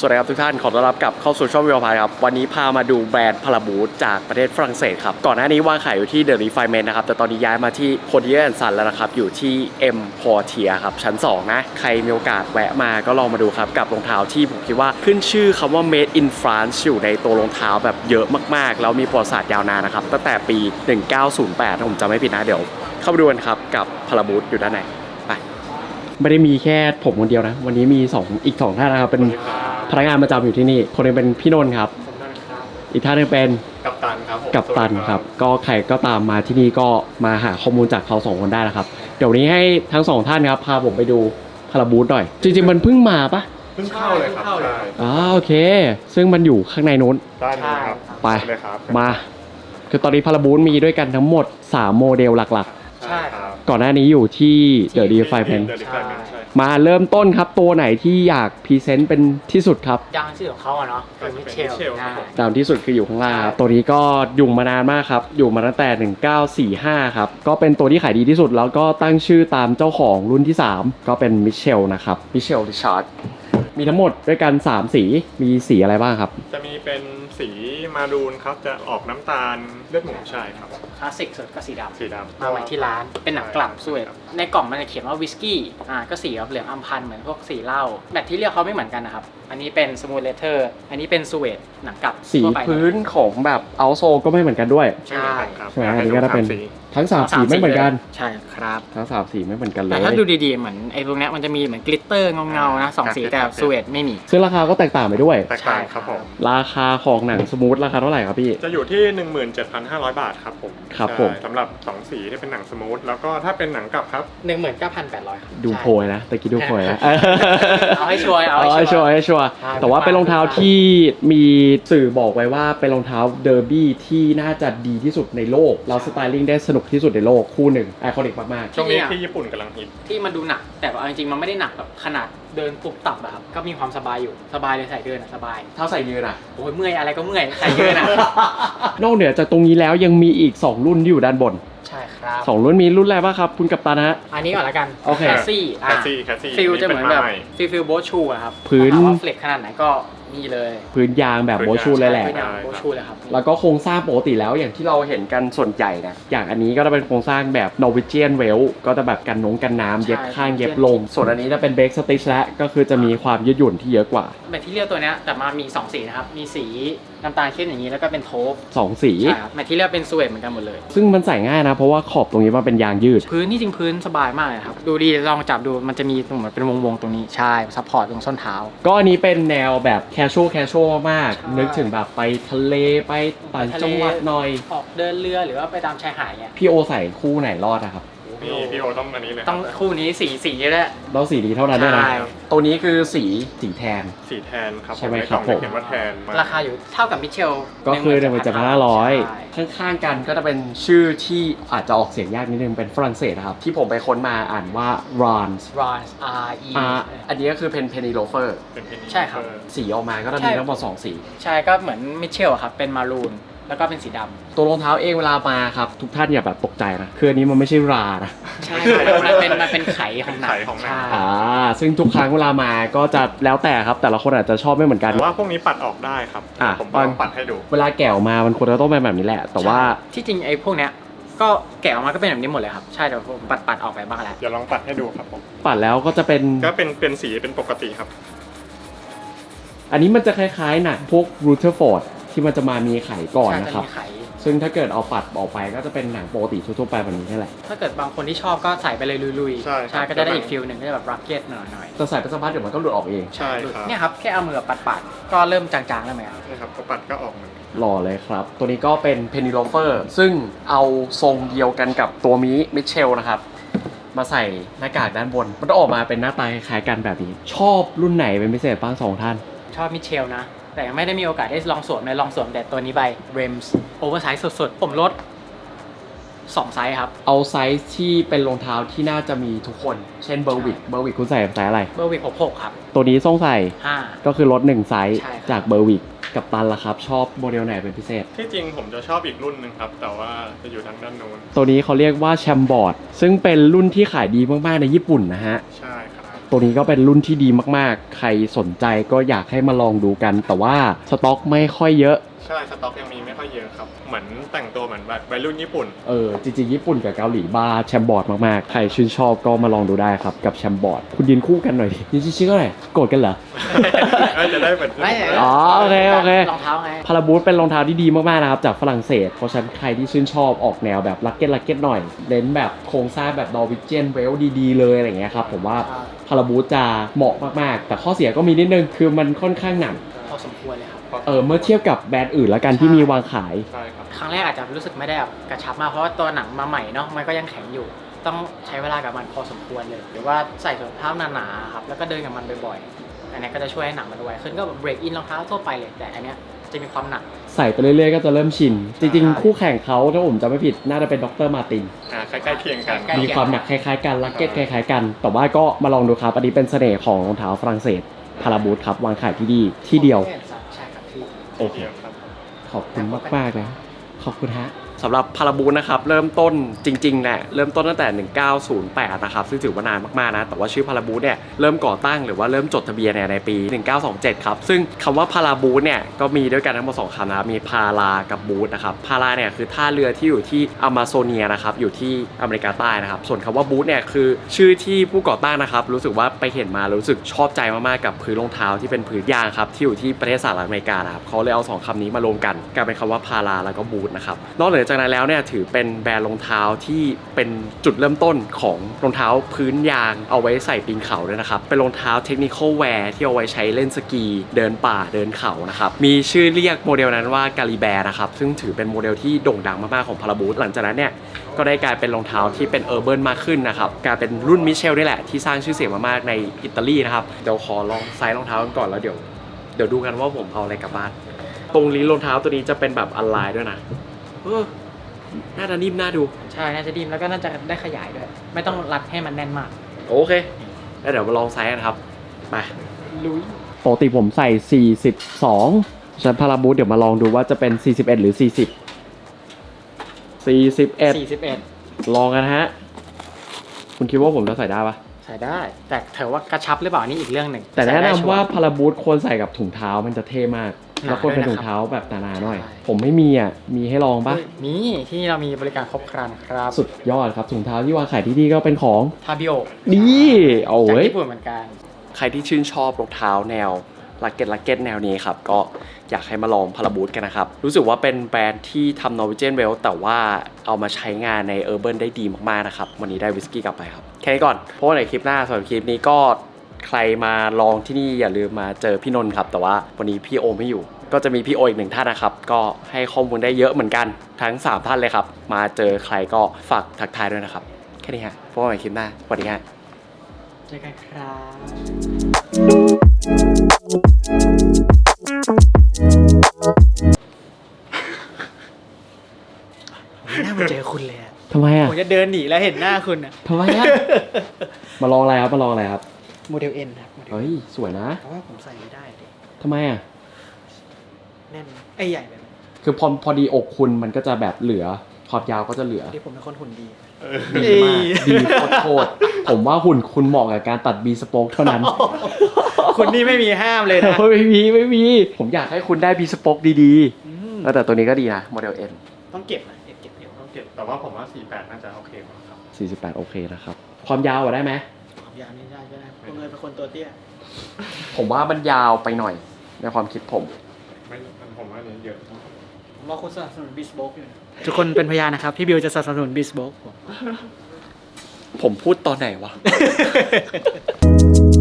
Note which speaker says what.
Speaker 1: สวัสดีครับทุกท่านขอต้อนรับกลับเข้าสู่ช่องวิวพายครับวันนี้พามาดูแบรนด์พาราบูทจากประเทศฝรั่งเศสครับก่อนหน้านี้วางขายอยู่ที่เดอะรีไฟเมนต์นะครับแต่ตอนนี้ย้ายมาที่โพเดียนซันแล้วนะครับอยู่ที่เอ็มพอร์เทียครับชั้น2นะใครมีโอกาสแวะมาก็ลองมาดูครับกับรองเท้าที่ผมคิดว่าขึ้นชื่อคำว่า Made in France อยู่ในตัวรองเท้าแบบเยอะมากๆแล้วมีประวัติศาสตร์ยาวนานนะครับตั้งแต่ปี 1908ถ้าผมจำไม่ผิดนะเดี๋ยวเข้าไปดูกันครับกับพาราบูทอยู่ด้านในไปไม่ได้มีแค่ผมคนเดียวนะวันนี้มีอีก 2ท่านนะครับเป็นพนักงานประจำอยู่ที่นี่คนนึงเป็นพี่นนท์ครับอีกท่านนึงเป็น
Speaker 2: กัปตันครับ
Speaker 1: กัปตันครับก็ใครก็ตามมาที่นี่ก็มาหาข้อมูลจากเขา2คนได้นะครับเดี๋ยวนี้ให้ทั้ง2ท่านครับพาผมไปดูพาราบูทหน่อยจริงๆมันเพิ่งมาปะ
Speaker 2: เพิ่งเข้าเลยครับ
Speaker 1: โอเคซึ่งมันอยู่ข้างในนู้น
Speaker 2: ได้เลยครับ
Speaker 1: ไปมาคือตอนนี้พาราบูทมีด้วยกันทั้งหมด3โมเดลหลัก
Speaker 2: ใช่ครับ
Speaker 1: ก่อนหน้านี้อยู่ที่เดอะรีไฟเมนต์มาเริ่มต้นครับตัวไหนที่อยากพรีเซนต์เป็นที่สุดครับ
Speaker 3: ดังชื่อของเขาอะเนาะคือมิเชล
Speaker 1: ดังที่สุดคืออยู่ข้างล่างครับตัวนี้ก็อยู่มานานมากครับอยู่มาตั้งแต่1945ครับก็เป็นตัวที่ขายดีที่สุดแล้วก็ตั้งชื่อตามเจ้าของรุ่นที่3ก็เป็นมิเชลนะครับมิเชลริชาร์ดมีทั้งหมดด้วยกัน3สีมีสีอะไรบ้างครับ
Speaker 2: จะมีเป็นสีมารูนครับจะออกน้ำตาลเลือดหมูใช่ครับ
Speaker 3: คลาสสิกสุดก็สีดำ
Speaker 2: มา
Speaker 3: ไว้ที่ร้านเป็นหนังกลับสวยในกล่องมันจะเขียนว่าวิสกี้ก็สีเหลืองอัมพันเหมือนพวกสีเหล้าแบตที่เรียกเขาไม่เหมืมือนกันนะครับอันนี้เป็นสมูทเลเทอร์อันนี้เป็นสวีทหนังกลับ
Speaker 1: สีพื้นของแบบเอาโซก็ไม่เหมือนกันด้วย
Speaker 3: ใช่
Speaker 1: ใช่ไหมอันนี้ก็จะเป็นทั้ง3สีไม่เหมือนกัน
Speaker 3: ใช่ครับ
Speaker 1: ทั้ง3สีไม่เหมือนกันเลย
Speaker 3: แต่ถ้าดูดีๆเหมือนไอ้พวกนี้มันจะมีเหมือนกลิตเตอร์เงาๆนะ2สีแต่สวีทไม่มี
Speaker 1: ซึ่งราคาก็แตกต่างไปด้วย
Speaker 2: แตกต่างครับผม
Speaker 1: ราคาของหนังสมูทราคาเท่าไหร่ครับพี่
Speaker 2: จะอยู่ที่ 17,500 บาทครับผม
Speaker 1: ครับผม
Speaker 2: สำหรับ2สีที่เป็นหนังสมูทแล้วก็ถ้าเป็นหนังกลับครับ
Speaker 3: 19,800 ครับ
Speaker 1: ดูโพยนะตะกี้ดูโพยนะ
Speaker 3: เอาให้ชัวร์
Speaker 1: แต่ว่าเป็นรองเท้าที่มีสื่อบอกไว้ว่าเป็นรองเท้าเดอร์บี้ที่น่าจะดีที่สุดในโลกแล้วสไตลิ่งได้สนุกที่สุดในโลกคู่หนึ่งไอคอนิกมาก
Speaker 2: ๆช่วงนี้ที่ญี่ปุ่นกำลังฮิต
Speaker 3: ที่มันดูหนักแต่จริงๆมันไม่ได้หนักแบบขนาดเดินปุบตับอะครับก็มีความสบายอยู่สบายเลยใส่เดินสบาย
Speaker 1: เท้าใส่ยืน
Speaker 3: โอ้ยเมื่อยอะไรก็เมื่อยใส่ยืน
Speaker 1: นอกเหนือจากตรงนี้แล้วยังมีอีก2รุ่นที่อยู่ด้านบน
Speaker 3: ใช่ครับ
Speaker 1: 2รุ่นมีรุ่นอะไรบ้างครับคุณกัปตันฮะ
Speaker 3: อันนี้ก่อนละกัน
Speaker 1: แค
Speaker 3: สซี่ฟิลจะเหมือนแบบฟิลโบชูอะครับ
Speaker 1: พื้น
Speaker 3: ว่าเฟล็กขนาดไหนก็นี่เลย
Speaker 1: พื้นยางแบบโบชูเลยแหละ
Speaker 3: โบชูเลยครับ
Speaker 1: แล้วก็โครงสร้างปกติแล้วอย่างที่เราเห็นกันส่วนใหญ่นะอย่างอันนี้ก็จะเป็นโครงสร้างแบบ Norwegian Well ก็จะแบบกันน้ำเย็บข้างเย็บลงส่วนอันนี้จะเป็น Break Stitch และก็คือจะมีความยืดหยุ่นที่เยอะกว่า
Speaker 3: แมทที่เรียลตัวนี้แต่มามี2สีนะครับมีสีน้ำตาลเข้มอย่างนี้แล้วก็เป็นโทป
Speaker 1: 2สี
Speaker 3: ใช่ครับแมทที่เรียลเป็นสวีทเหมือนกันหมดเลย
Speaker 1: ซึ่งมันใส่ง่ายนะเพราะว่าขอบตรงนี้มันเป็นยางยืด
Speaker 3: พื้นนี่จริงพื้นสบายมากเลยครับดูดีลองจับดูมันจะมีตรงเหมือนเป็นวงตรงนี้ใช่ซัพพอร์ตตรงส้นเท้า
Speaker 1: ก็อันนี้เป็นแนวแบบแคชชวลมากนึกถึงแบบไปทะเลไปต่างจังหวัดหน่อย
Speaker 3: ออกเดินเรือหรือว่าไปตามชายหาดเนี่ย
Speaker 1: พี่โอใส่คู่ไหนรอดอะครับ
Speaker 2: พี่โอต้องอันนี้เลย
Speaker 3: ต้องคู่นี้สีเยอะแหละ
Speaker 1: ต้องสีดีเท่านั้นด้วยนะตัวนี้คือสีแทน
Speaker 2: ครับ
Speaker 1: ใช่ไหมครับผม
Speaker 2: เขียนว่าแทน
Speaker 3: ราคาอยู่เท่ากับมิเชล
Speaker 1: ก็คือ1,500ข้างๆกันก็จะเป็นชื่อที่อาจจะออกเสียงยากนิดนึงเป็นฝรั่งเศสนะครับที่ผมไปค้นมาอ่านว่า Rans
Speaker 3: R E
Speaker 1: อันนี้ก็คือเป็นเพนิโลเฟอร์
Speaker 3: ใช่ครับ
Speaker 1: สีออกมาก็จะมีทั้งหมด2สี
Speaker 3: ใช่ก็เหมือนมิเชลครับเป็นมารูนแล้วก็เป็นสีดำ
Speaker 1: ตัวรองเท้าเองเวลามาครับทุกท่านอย่าแบบตกใจนะคืออันนี้มันไม่ใช่รานะ
Speaker 3: ใช่มันเป็นไขของหนัง
Speaker 1: ซึ่งทุกครั้งเวลามาก็จะแล้วแต่ครับแต่ละคนอาจจะชอบไม่เหมือนกัน
Speaker 2: ว่าพวกนี้ปัดออกได้ครับผมลองปัดให้ดู
Speaker 1: เวลาแกะออกมามันควรจะต้องเป็นแบบนี้แหละแต่ว่า
Speaker 3: ที่จริงไอ้พวกเนี้ยก็แกะออกมาก็เป็นแบบนี้หมดเลยครับใช่เดี๋ยวผมปัดออกไปบ้างแล้ว
Speaker 2: เดี๋ยวลองปัดให้ดูครับผม
Speaker 1: ปัดแล้วก็จะ
Speaker 2: เป็นสีเป็นปกติครับ
Speaker 1: อันนี้มันจะคล้ายๆหนังพวกรูเทอร์ฟอร์ดที่มันจะมามีไข่ก่อนนะครับซึ่งถ้าเกิดเอาปัดออกไปก็จะเป็นหนังปกติทั่วๆไปแบบนี้นี่แหละ
Speaker 3: ถ้าเกิดบางคนที่ชอบก็ใส่ไปเลยลุยๆใช่ก็จะได้อีกฟิลหนึ่งก็จะแบบรักเก็ตหน่อย
Speaker 1: แต่ใส่ไปสักพักเดี๋ยวมันก็หลุดออกเอง
Speaker 2: ใช่ครับ
Speaker 3: เนี่ยครับแค่เอามือปัดก็เริ่มจางๆแล้วไหมครับ
Speaker 2: นี่ครับก็ปัดก็ออกเหมือน
Speaker 1: หล่อเลยครับตัวนี้ก็เป็นเพนิโลเฟอร์ซึ่งเอาทรงเดียวกันกับตัวมิเชลนะครับมาใส่หน้ากากด้านบนมันจะออกมาเป็นหน้าตาคล้ายกันแบบนี้ชอบรุ่นไหนเป็นพิเศษบ้าง2ท่าน
Speaker 3: ชอบมิเชลนะแต่ยังไม่ได้มีโอกาสได้ลองสวมเลยลองสวมแต่ตัวนี้ไป Rems โอเวอร์ไซส์สุดๆผมลด2ไซส์ครับ
Speaker 1: เอาไซส์ที่เป็นรองเท้าที่น่าจะมีทุกคนเช่นเบอร์วิกคุณใส่ไซส์อะไร
Speaker 3: เบอร์วิก66ครับ
Speaker 1: ตัวนี้ต้องใส่
Speaker 3: 5
Speaker 1: ก็คือลด1ไซส์จากเบอร์วิกกับตันล่ะครับชอบโมเดลไหนเป็นพิเศษ
Speaker 2: ที่จริงผมจะชอบอีกรุ่นนึงครับแต่ว่าจะอยู่ทางด้านโน้น
Speaker 1: ตัวนี้เขาเรียกว่าแชมบอร์ดซึ่งเป็นรุ่นที่ขายดีมากๆในญี่ปุ่นนะฮะ
Speaker 2: ใช่ครับ
Speaker 1: ตัวนี้ก็เป็นรุ่นที่ดีมากๆ ใครสนใจก็อยากให้มาลองดูกัน แต่ว่าสต็อกไม่ค่อยเยอะ
Speaker 2: ใช่สต็อกยังมีไม่ค่อยเยอะครับเหมือนแต่งตัวเหมือนแบบวัยรุ่นญี่ปุ่น
Speaker 1: จริงๆญี่ปุ่นกับเกาหลีบ้าแชมบอร์ดมากๆ ใครชื่นชอบก็มาลองดูได้ครับกับแชมบอร์ดคุณยืนคู่กันหน่อยดิยืนชิดๆก็หน่อยโกรธกันเหรอ
Speaker 2: จะได้เป็น
Speaker 3: ไม่
Speaker 1: อ๋อโอเคโอเค
Speaker 3: รองเท้าไง
Speaker 1: พาราบูทเป็นรองเท้าที่ดีมากๆนะครับจากฝรั่งเศสเพราะฉะนั้นใครที่ชื่นชอบออกแนวแบบลักเก็ตหน่อยเน้นแบบโครงสร้างแบบนอร์วิเจียนเวลดีๆเลยอะไรอย่างเงี้ยครับผมว่าพาราบูทจะเหมาะมากๆแต่ข้อเสียก็มีนิดนึงคือมันค่อนข้างหนัก
Speaker 3: พอสมควรเลยครับ
Speaker 1: เมื่อเทียบกับแบรนด์อื่นแล้วกันที่มีวางขาย
Speaker 2: ใช่ครับ
Speaker 3: ครั้งแรกอาจจะรู้สึกไม่ได้แบบกระชับมากเพราะว่าตัวหนังมาใหม่เนาะมันก็ยังแข็งอยู่ ต้องใช้เวลากับมันพอสมควรเลย หรือว่าใส่ถุงเท้าหนาๆครับแล้วก็เดินกับมันบ่อยๆอันนี้ก็จะช่วยให้หนังมันไวขึ้นก็แบบเบรกอินรองเท้าทั่วไปเลยแต่อันเนี้ยจะมีความหนัก
Speaker 1: ใส่ไปเรื่อยๆก็จะเริ่มชิน จริง
Speaker 3: ใช่
Speaker 1: ๆ คู่แข่งเขาถ้าผมจำไม่ผิดน่าจะเป็นดรมาร์ติน
Speaker 2: ใกล้ๆเคียงกัน
Speaker 3: ใกล้ๆ
Speaker 1: มีความหนักคล้ายๆกันลักเก็ตคล้ายๆกัน แต่ว่าก็มาลองดูครับ อันนี้เป็นเสน่ห์ของรองเท้าฝรั่งเศสพาราบูทครับวางขายที่ดีที่เดียว
Speaker 3: ใช่ครับพี่
Speaker 1: โอเค
Speaker 2: เดียวครับ
Speaker 1: ขอบคุณมากๆเลยขอบคุณฮะสำหรับพาราบูทนะครับเริ่มต้นจริงๆเนี่ยเริ่มต้นตั้งแต่ 1908 นะครับซึ่งถือว่านานมากๆนะแต่ว่าชื่อพาราบูทเนี่ยเริ่มก่อตั้งหรือว่าเริ่มจดทะเบียนเนี่ยในปี 1927 ครับซึ่งคำว่าพาราบูทเนี่ยก็มีด้วยกันทั้งหมด2คำนะครับมีพารากับบูทนะครับพาราเนี่ยคือท่าเรือที่อยู่ที่อเมซอเนียนะครับอยู่ที่อเมริกาใต้นะครับส่วนคำว่าบูทเนี่ยคือชื่อที่ผู้ก่อตั้งนะครับรู้สึกว่าไปเห็นมารู้สึกชอบใจมากๆกับพื้นรองเท้าที่เป็นพื้นยางครับที่อยู่ที่ประเทศสหรัฐอเมริกานะครับเขาเลยเอา2คำนี้มารวมกันกลายเป็นคำว่าพาราแล้วก็บูทนะครับนอกเหนือจากนั้นแล้วเนี่ยถือเป็นแบรนด์รองเท้าที่เป็นจุดเริ่มต้นของรองเท้าพื้นยางเอาไว้ใส่ปีนเขาด้วยนะครับเป็นรองเท้าเทคนิคอลแวร์ที่เอาไว้ใช้เล่นสกีเดินป่าเดินเขานะครับมีชื่อเรียกโมเดลนั้นว่ากาลิแบร์นะครับซึ่งถือเป็นโมเดลที่โด่งดังมากๆของพาราบูทหลังจากนั้นเนี่ยก็ได้กลายเป็นรองเท้าที่เป็นเออร์เบิร์นมากขึ้นนะครับกลายเป็นรุ่นมิเชลนี่แหละที่สร้างชื่อเสียงมากๆในอิตาลีนะครับเดี๋ยวขอลองไซส์รองเท้ากันก่อนแล้วเดี๋ยวดูกันว่าผมเอาอะไรกลับบ้านตรงลิ้นรองเท้าตัวนี้จะเป็นแบบอลไลน์ด้วยนะน่าจะนิ่มน่าดู
Speaker 3: ใช่น่าจะดีแล้วก็น่าจะได้ขยายด้วยไม่ต้องรัดให้มันแน่นมาก
Speaker 1: โอเคแล้วเดี๋ยวมาลองไซส์กันครับไป
Speaker 3: ลุย
Speaker 1: ปกติผมใส่ 42ฉันพาราบูทเดี๋ยวมาลองดูว่าจะเป็น 41 หรือ 40 41 ลองกันฮะ คุณคิดว่าผมจะใส่ได้ปะ
Speaker 3: ใส่ได้ แต่เธอว่ากระชับหรือเปล่านี่อีกเรื่องหนึ่ง
Speaker 1: แต่แนะ
Speaker 3: ใส่ได้
Speaker 1: นำ
Speaker 3: ชัร์
Speaker 1: ว่าพาราบูทควรใส่กับถุงเท้ามันจะเท่มาก
Speaker 3: หนา
Speaker 1: แล้วควรเป็น
Speaker 3: ด้วยนะครับ
Speaker 1: ถุงเท้าแบบหนาๆหน่อย
Speaker 3: ใช่
Speaker 1: ผมไม่มีอ่ะ มีให้ลองปะ
Speaker 3: มีที่เรามีบริการครบครันครับ
Speaker 1: สุดยอดครับถุงเท้าที่วางขายที่นี่ก็เป็นของ
Speaker 3: ทาบิโอ
Speaker 1: นี่เอา
Speaker 3: จาก
Speaker 1: เว้ย
Speaker 3: ญี่ปุ่นเหมือนกัน
Speaker 1: ใครที่ชื่นชอบรองเท้าแนวลักเก็ตแนวนี้ครับก็อยากให้มาลองพาราบูทกันนะครับรู้สึกว่าเป็นแบรนด์ที่ทำ Norwegian Well แต่ว่าเอามาใช้งานใน Urban ได้ดีมากๆนะครับวันนี้ได้วิสกี้กลับไปครับแค่นี้ก่อนเพราะว่าในคลิปหน้าสำหรับคลิปนี้ก็ใครมาลองที่นี่อย่าลืมมาเจอพี่นนท์ครับแต่ว่าวันนี้พี่โอไม่อยู่ ก็จะมีพี่โออีกหนึ่งท่านนะครับก็ให้ข้อมูลได้เยอะเหมือนกันทั้ง3ท่านเลยครับมาเจอใครก็ฝากทักทายด้วยนะครับแค่นี้ฮะเพราะว่าในคลิปหน้าสวัสดีฮะ
Speaker 3: เจอกันครับหน้ามาเจอคุณเลยอะ
Speaker 1: ทำไมอ่ะ
Speaker 3: ผมจะเดินหนีแล้วเห็นหน้าคุณอะ
Speaker 1: ทำไมอ่ะ มาลองอะไรครับมาลองอะไรครับ
Speaker 3: โมเดลเอ็นครับโมเดล
Speaker 1: เฮ้ยสวยนะ
Speaker 3: เพราะว่าผมใส่ไม่ได้ดิ
Speaker 1: ทำไมอ่ะ
Speaker 3: แน่นไอ้ใหญ่ไปไหม
Speaker 1: คือพอดีอกคุณมันก็จะแบบเหลือขอบยาวก็จะเหลือ
Speaker 3: ที่ผมเป็นคนหุ่นดี
Speaker 1: ดีมากดีโคตรๆผมว่าหุ่นคุณเหมาะกับการตัดบีสโป๊กเท่านั้น
Speaker 3: คุณนี่ไม่มีห้ามเลยนะ
Speaker 1: ไม่มี ผมอยากให้คุณได้บีสโป๊กดีๆแล้วแต่ตัวนี้ก็ดีนะโมเดล N
Speaker 3: ต้องเก็บนะเก็บเดี๋ยว
Speaker 2: ต้องเก็บแต่ว่าผมว่า 48 น่าจะโอเคกว่าครับ
Speaker 1: 48โอเคนะครับความยาวอะได้ไหม
Speaker 3: ความยาวนี่ได้ก็ได้ผมเลยเป็นคนตัวเตี้ย
Speaker 1: ผมว่ามันยาวไปหน่อยในความคิดผม
Speaker 2: ไม่ผมว่าอันนี้เยอะ
Speaker 3: ผมรอคุณสนับสนุนบิสโบกอยู่นะทุกคนเป็นพยานนะครับ พี่บิวจะสนับสนุนบิสโบก
Speaker 1: ผมพูดตอนไหนวะ